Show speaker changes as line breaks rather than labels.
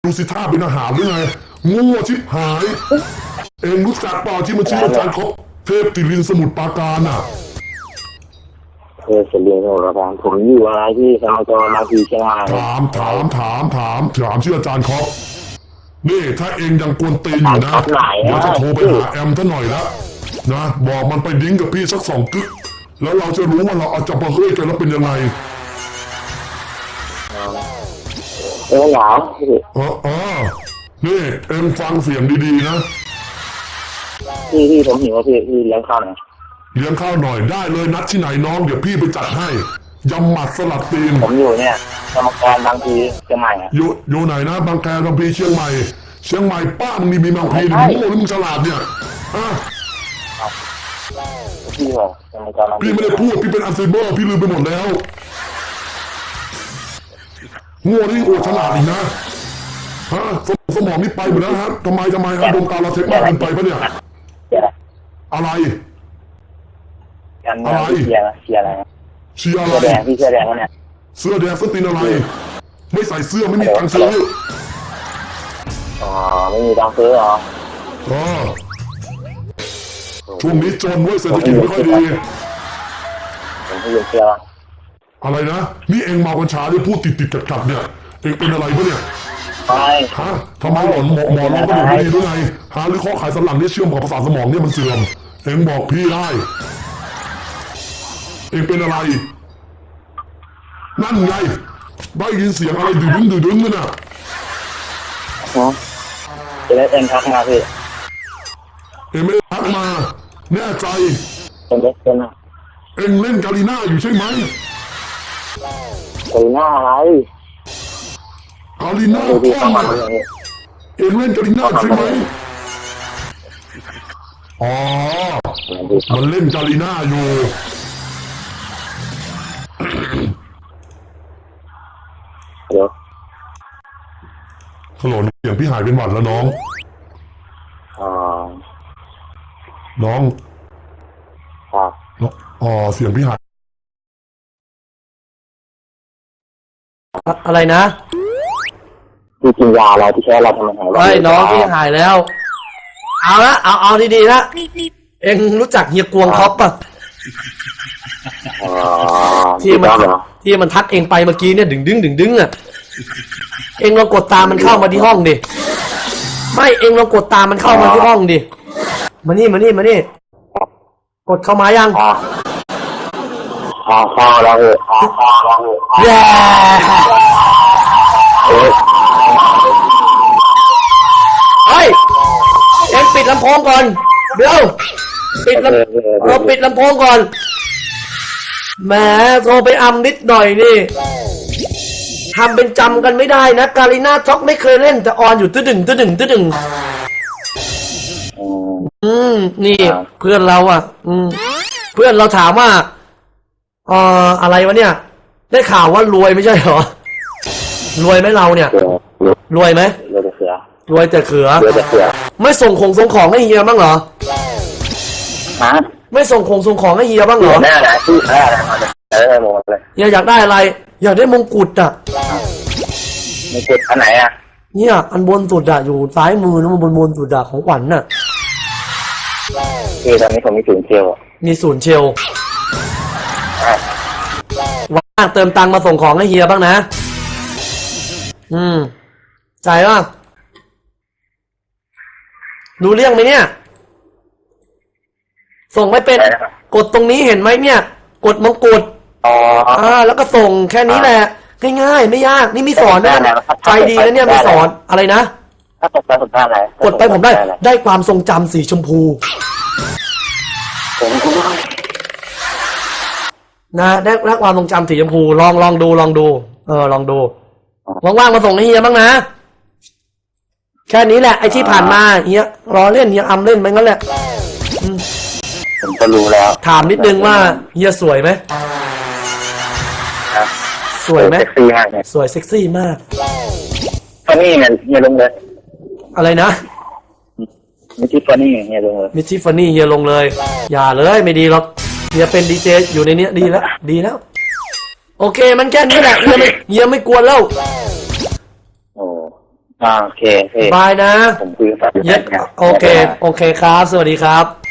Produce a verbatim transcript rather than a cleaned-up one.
ดูสิท่าเป็นอาหารหรือไงโง่ชิบหายเองรู้จักเปล่าที่มันชื่ออาจารย์เขาเทพติลินสมุทรปราการอ่ะ
เทพติลินสมุทรปราการผมอยู่อะไรที่สมัยก่อนมาทีเชียงราย
ถามถามถามถามถามชื่ออาจารย์เขานี่ถ้าเองยังกวนตีนอยู่นะเดี๋ยวจะโทรไปหาแอมท่านหน่อยละนะบอกมันไปดิ้งกับพี่สักสองกึกแล้วเราจะรู้ว่าเราเอาจะมาเฮ้ยกันแล้วเป็นยังไง
เออหนาว
เออเออนี่เอ็มฟังเสียงดีๆนะ
พี่พี่ผมหิวพี่พี่เลี้ยงข้าวหน่อย
เลี้ยงข้าวหน่อยได้เลยนัดที่ไหนน้องเดี๋ยวพี่ไปจัดให้ยำหมัดสลัดตีน
ผมอยู่เนี่ยสมกรบางพีเชียงใหม่
อยู่อยู่ไหนนะบางแคบางพีเชียงใหม่เชียงใหม่ป้ามึงมีมีบางพีหรือมึงโง่หรือมึงฉลาดเนี่ยอ่ะ
พี่เหรอสมกรบางพี
พี่ไม่ได้พูดพี่เป็นอัลไซเมอร์พี่ลืมไปหมดแล้วโง่นี่โอ้ฉลาดอีกนะฮะสมองนี่ไปหมดแล้วฮะทำไมทำไมฮะดวงตาเราเช็คมากเกินไปปะเนี่ยอะไร
อะไรเชียร์เชียร์อะไร
เชียร์อะไร
เสื้อแดงพี่เสื้อแดงวะเนี่ย
เสื้อแดงเสื้อตีนอะไรไม่ใส่เสื้อไม่มีตังค์ซื้อ
อ๋อไม่มีตังค์ซื้อเหรอ
อ๋อช่วงนี้จนเว้ยเศรษฐกิจไม่ค่อยดี
ผมไม่ยอมเชื่อ
อะไรนะนี่เองเมากัญชาด้วยพูดติดติดกัดกัดเนี่ยเองเป็นอะไรปะเนี่ย
ไม่
ฮะทำไมหลอนหมอหมอร้องกระดูกไม่ดีด้วยไงฮะหรือข้อไขสันหลังเนี่ยเชื่อมกับประสาทสมองเนี่ยมันเสื่อมเองบอกพี่ได้เองเป็นอะไรนั่นไงได้ยินเสียงอะไรดื้อดึงดื้อดึงกันน่ะ
ฮะเอ็นทักมาพี่
เองไม่ได้ทักมาแน่ใจ
เป็นเล็กเป็นอะ
เองเล่นกาลีน่าอยู่ใช่ไหม
กาลีน่าอะไร
กาลีน่าพ่อมาเองเล่นกาลีน่าใช่ไหมอ๋อมันเล่นกาลีน่าอยู่
เดี๋ยว
ฮัลโหลเสียงพี่หายเป็นหวัดแล้วน้อง
อ๋อ
น้อง
อ๋อ
อ๋อเสียงพี่หาย
อะไรนะ
พี่กินยาอะไรที่แค่เราทำไมหาย
ไอ้น้องพี่หายแล้วเอาละเอาเอาดีๆนะเอ็งรู้จักเฮียกวงคอปป่ะที่มันที่มันทักเองไปเมื่อกี้เนี่ยดึงดึงดึงดึงอ่ะเอ็งลองกดตามมันเข้ามาที่ห้องดิไม่เอ็งลองกดตามมันเข้ามาที่ห้องดิมานี่มานี่มานี่กดเข้ามายัง
อ๋อเข้าแล้วเหรออ๋อเข้าแล้วเหรอ
แย่เฮ้ยเอ็งปิดลำโพงก่อนเดี๋ยวปิดลำเราปิดลำโพงก่อนแหมโทรไปอำนิดหน่อยนี่ทำเป็นจำกันไม่ได้นะกาลิน่าช็อกไม่เคยเล่นแต่ออนอยู่ตื้อดึงตื้อดึงตื้อดึงอืมนี่เพื่อนเราอ่ะอืมเพื่อนเราถามว่าเอ่ออะไรวะเนี่ยได้ข่าวว่ารวยไม่ใช่เหรอรวยไหมเราเนี่ยรวยไหม
รวยแต่เขือ
รวยแต่เขือ
รวยแต่เขือ
ไม่ส่งของส่งของให้เฮียบ้างเหรอ
ฮะ
ไม่ส่งของส่งของให้เฮียบ้างเหรอ
แน่นะที่แน่นะเออหมดเลย
เฮียอยากได้อะไรอยากได้มงกุฎอ่ะ
มงกุฎอันไหนอ่ะ
เนี่ยอันบนสุดอ่ะอยู่ซ้ายมือนะมันบนบนสุดอ่ะของขวัญน่ะ
คือตอนนี้ผมมีศูนย์เชล
มีศูนย์เชลว่างเติมตังค์มาส่งของให้เฮียบ้างนะอืมใจว่ารู้เรื่องไหมเนี่ยส่งไม่เป็นกดตรงนี้เห็นไหมเนี่ยกดมงกุฎ
อ๋อ
อ่าแล้วก็ส่งแค่นี้แหละง่ายๆไม่ยากนี่มีสอนนะใจดีนะเนี่ยมีสอนอะไรนะ
ถ้ากดไปผมได้อะไร
กดไปผมได้ได้ความทรงจำสีชมพูนะได้ได้ความทรงจำสีชมพูลองลองดูลองดูเออลองดูว่างๆมาส่งให้เฮียบ้างนะแค่นี้แหละไอ้ที่ผ่านมาเฮียรอเล่นเฮียอำเล่นไปงั้นแหละ
ผมก็รู้แล้ว
ถามนิดนึงว่าเฮียสวยไหมสวยไหม
เซ็กซี่มาก
สวยเซ็กซี่มาก
ฟันนี่เนี่ยเฮียลงเลย
อะไรนะ
มิทิฟันนี่เฮียลงเลย
มิทิฟันนี่เฮียลงเลยอย่าเลยไม่ดีหรอกเฮียเป็นดีเจอยู่ในนี้ดีแล้วดีแล้วโอเคมันแค่นี้แหละเฮียไม่เฮียไม่กวนแล้ว
โอ้อ่าโอเคโอเค
บายนะ
ผมคุยกับแฟน
เย็ดโอเค โอเคครับ สวัสดีครับ